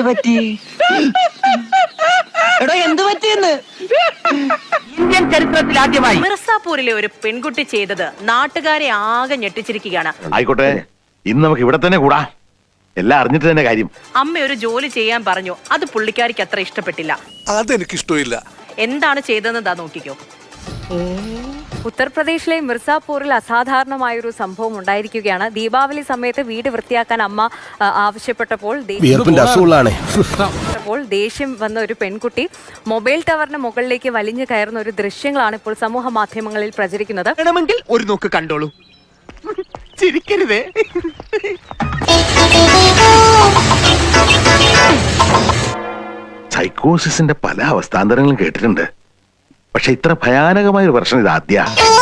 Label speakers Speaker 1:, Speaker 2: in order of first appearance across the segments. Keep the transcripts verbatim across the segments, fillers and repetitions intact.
Speaker 1: പറ്റി? എടോ എന്ത് പറ്റിയെന്ന്?
Speaker 2: ഇന്ത്യൻ ചരിത്രത്തിൽ ആദ്യമായി
Speaker 3: മിർസാപൂരിലെ ഒരു പെൺകുട്ടി ചെയ്തത് നാട്ടുകാരെ ആകെ ഞെട്ടിച്ചിരിക്കുകയാണ്.
Speaker 4: ആയിക്കോട്ടെ, ഇന്ന് നമുക്ക് ഇവിടെ തന്നെ കൂടാ. എല്ലാം അറിഞ്ഞിട്ട് തന്നെ കാര്യം.
Speaker 3: അമ്മ ഒരു ജോലി ചെയ്യാൻ പറഞ്ഞു, അത് പുള്ളിക്കാരിക്ക് അത്ര ഇഷ്ടപ്പെട്ടില്ല.
Speaker 5: അതെനിക്ക് ഇഷ്ടമില്ല.
Speaker 3: എന്താണ് ചെയ്തതെന്ന് ദാ നോക്കിക്കോ.
Speaker 6: ഉത്തർപ്രദേശിലെ മിർസാപൂരിൽ അസാധാരണമായൊരു സംഭവം ഉണ്ടായിരിക്കുകയാണ്. ദീപാവലി സമയത്ത് വീട് വൃത്തിയാക്കാൻ അമ്മ ആവശ്യപ്പെട്ടപ്പോൾ പ്പോൾ ദേഷ്യം വന്ന ഒരു പെൺകുട്ടി മൊബൈൽ ടവറിന് മുകളിലേക്ക് വലിഞ്ഞു കയറുന്ന ഒരു ദൃശ്യങ്ങളാണ് ഇപ്പോൾ സമൂഹ മാധ്യമങ്ങളിൽ പ്രചരിക്കുന്നത്.
Speaker 2: വേണമെങ്കിൽ ഒരു നോക്ക് കണ്ടോളൂ. ചിരിക്കരുതേ.
Speaker 4: സൈക്കോസിന്റെ പല അവസ്ഥാന്തരങ്ങളും കേട്ടിട്ടുണ്ട്. പക്ഷെ ഇത്ര ഭയാനകമായ ഒരു പ്രശ്നം ഇത് ആദ്യ.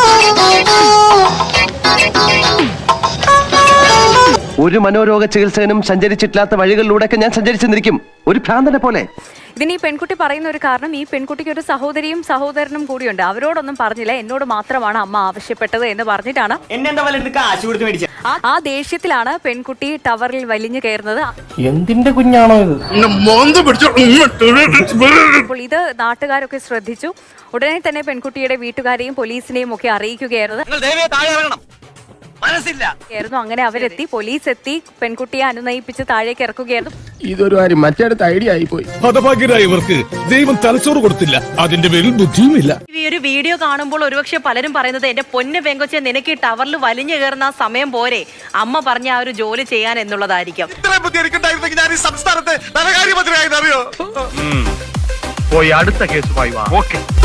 Speaker 7: ഒരു മനോരോഗ ചികിത്സകനും സഞ്ചരിച്ചിട്ടില്ലാത്ത വഴികളിലൂടെയൊക്കെ ഞാൻ സഞ്ചരിച്ചെന്നിരിക്കും, ഒരു ഭ്രാന്തനെ പോലെ.
Speaker 6: ഇതിന് ഈ പെൺകുട്ടി പറയുന്ന ഒരു കാരണം, ഈ പെൺകുട്ടിക്ക് ഒരു സഹോദരിയും സഹോദരനും കൂടിയുണ്ട്. അവരോടൊന്നും പറഞ്ഞില്ല, എന്നോട് മാത്രമാണ് അമ്മ ആവശ്യപ്പെട്ടത് എന്ന് പറഞ്ഞിട്ടാണ് ആ ദേഷ്യത്തിലാണ് പെൺകുട്ടി ടവറിൽ വലിഞ്ഞു കയറുന്നത്.
Speaker 2: എന്തിന്റെ കുഞ്ഞാണോ ഇത്?
Speaker 6: അപ്പോൾ ഇത് നാട്ടുകാരൊക്കെ ശ്രദ്ധിച്ചു. ഉടനെ തന്നെ പെൺകുട്ടിയുടെ വീട്ടുകാരെയും പോലീസിനെയും ഒക്കെ അറിയിക്കുകയായിരുന്നു. അങ്ങനെ അവരെത്തി, പോലീസ് എത്തി, പെൺകുട്ടിയെ അനുനയിപ്പിച്ച് താഴേക്ക് ഇറക്കുകയായിരുന്നു.
Speaker 8: ഇതൊരു കാര്യം മറ്റേടത്ത് ഐഡിയ ആയിപ്പോയി. ഹതഭാഗ്യരായവർക്ക് ദൈവം തലച്ചോറ് കൊടുത്തില്ല, അതിന്റെ പേരിൽ ബുദ്ധിയുമില്ല.
Speaker 3: ഈ ഒരു വീഡിയോ കാണുമ്പോൾ ഒരുപക്ഷെ പലരും പറയുന്നത്, എന്റെ പൊന്ന് പെങ്കൊച്ചെ, നിനക്ക് ഈ ടവറിൽ വലിഞ്ഞു കയറുന്ന ആ സമയം പോരെ അമ്മ പറഞ്ഞ ആ ഒരു ജോലി ചെയ്യാൻ എന്നുള്ളതായിരിക്കും.
Speaker 4: പോയി അടുത്ത കേസുമായി വാ. ഓക്കെ.